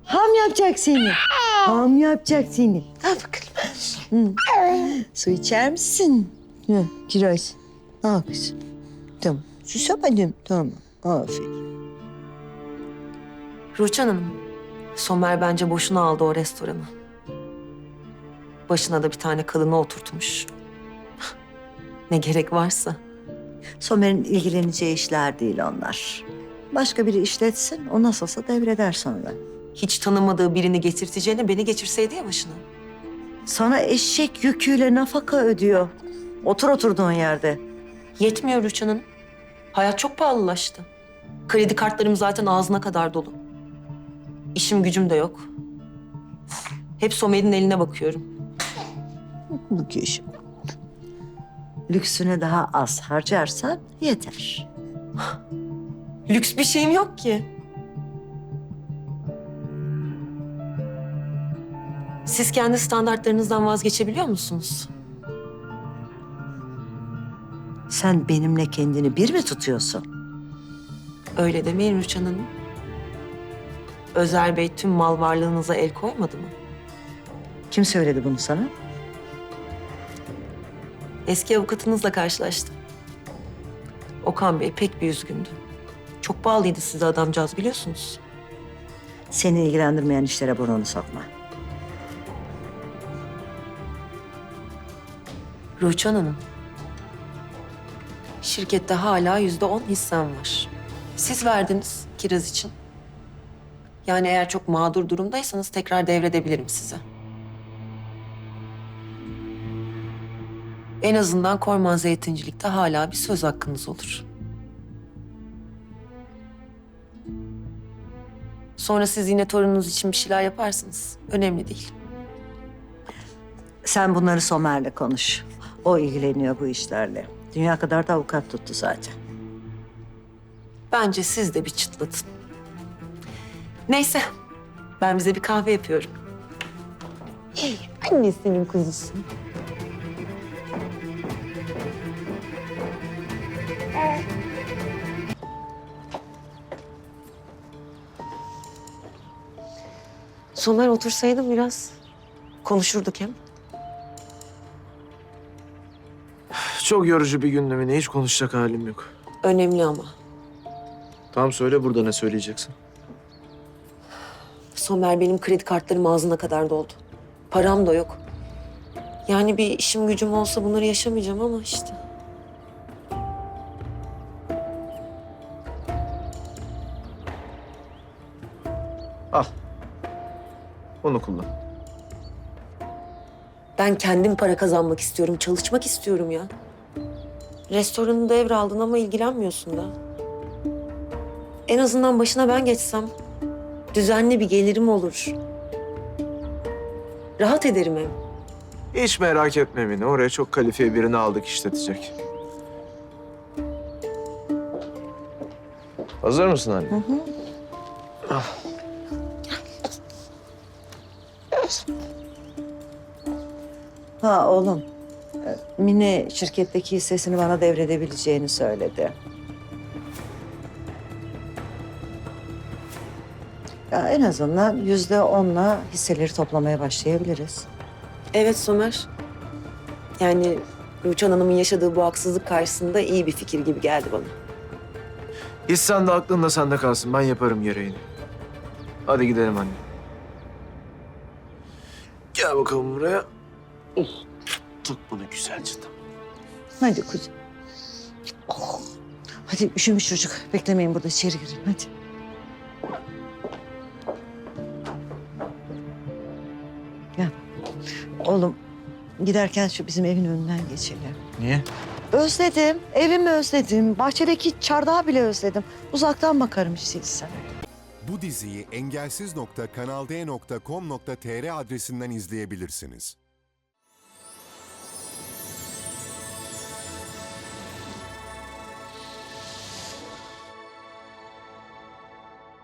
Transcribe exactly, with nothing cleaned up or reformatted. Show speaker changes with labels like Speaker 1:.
Speaker 1: Ham yapacak seni. Ham yapacak seni. Al bakalım. Hı. Su içer misin? Hı, kiraz. Al kızım. Tamam. Susamadım. Tamam. Aferin.
Speaker 2: Rüçhan Hanım, Somer bence boşuna aldı o restoranı. Başına da bir tane kadını oturtmuş. Ne gerek varsa.
Speaker 1: Somer'in ilgileneceği işler değil onlar. Başka biri işletsin, o nasılsa devreder sonra.
Speaker 2: Hiç tanımadığı birini getirteceğine beni geçirseydi ya başına.
Speaker 1: Sana eşek yüküyle nafaka ödüyor. Otur oturduğun yerde.
Speaker 2: Yetmiyor Rüçhan Hanım. Hayat çok pahalılaştı. Kredi kartlarım zaten ağzına kadar dolu. İşim gücüm de yok. Hep Somer'in eline bakıyorum.
Speaker 1: Bu kişi. Lüksüne daha az harcarsan yeter.
Speaker 2: Lüks bir şeyim yok ki. Siz kendi standartlarınızdan vazgeçebiliyor musunuz?
Speaker 1: Sen benimle kendini bir mi tutuyorsun?
Speaker 2: Öyle demeyin Rüçhan Hanım. Özer Bey tüm mal varlığınıza el koymadı mı?
Speaker 1: Kim söyledi bunu sana?
Speaker 2: Eski avukatınızla karşılaştım. Okan Bey pek bir üzgündü. Çok bağlıydı size adamcağız biliyorsunuz.
Speaker 1: Seni ilgilendirmeyen işlere burnunu sokma.
Speaker 2: Rüçhan Hanım. Şirkette hala yüzde on hissem var. Siz verdiniz kiraz için. Yani eğer çok mağdur durumdaysanız tekrar devredebilirim size. En azından Korman Zeytincilik'te hala bir söz hakkınız olur. Sonra siz yine torununuz için bir şeyler yaparsınız. Önemli değil.
Speaker 1: Sen bunları Somer'le konuş. O ilgileniyor bu işlerle. Dünya kadar da avukat tuttu zaten.
Speaker 2: Bence siz de bir çıtlatın. Neyse, ben bize bir kahve yapıyorum. Hey, annesinin kuzusu. Somer otursaydım biraz konuşurduk hem.
Speaker 3: Çok yorucu bir gündü Mine. Hiç konuşacak halim yok.
Speaker 2: Önemli ama.
Speaker 3: Tamam söyle burada ne söyleyeceksin?
Speaker 2: Somer benim kredi kartlarım ağzına kadar doldu. Param da yok. Yani bir işim gücüm olsa bunları yaşamayacağım ama işte.
Speaker 3: Al. Onu kullan.
Speaker 2: Ben kendim para kazanmak istiyorum, çalışmak istiyorum ya. Restoranı devraldın ama ilgilenmiyorsun da. En azından başına ben geçsem düzenli bir gelirim olur. Rahat ederim hem.
Speaker 3: Hiç merak etme Mine. Oraya çok kalifiye birini aldık işletecek. Hazır mısın anne? Hı hı.
Speaker 1: Ha oğlum. Mine şirketteki hissesini bana devredebileceğini söyledi. Ya en azından yüzde onla hisseleri toplamaya başlayabiliriz.
Speaker 2: Evet Somer. Yani Rüçhan Hanım'ın yaşadığı bu haksızlık karşısında iyi bir fikir gibi geldi bana.
Speaker 3: Hissen de aklın da sende kalsın. Ben yaparım gereğini. Hadi gidelim anne. Gel bakalım buraya. Oh, tut bunu güzelce de.
Speaker 1: Hadi kuzum. Oh. Hadi üşümüş çocuk. Beklemeyin burada içeri girin hadi. Gel. Oğlum giderken şu bizim evin önünden geçelim.
Speaker 3: Niye?
Speaker 1: Özledim. Evimi özledim. Bahçedeki çardağı bile özledim. Uzaktan bakarım istiyorsan.
Speaker 4: Bu diziyi engelsiz nokta kanalde nokta com nokta tr adresinden izleyebilirsiniz.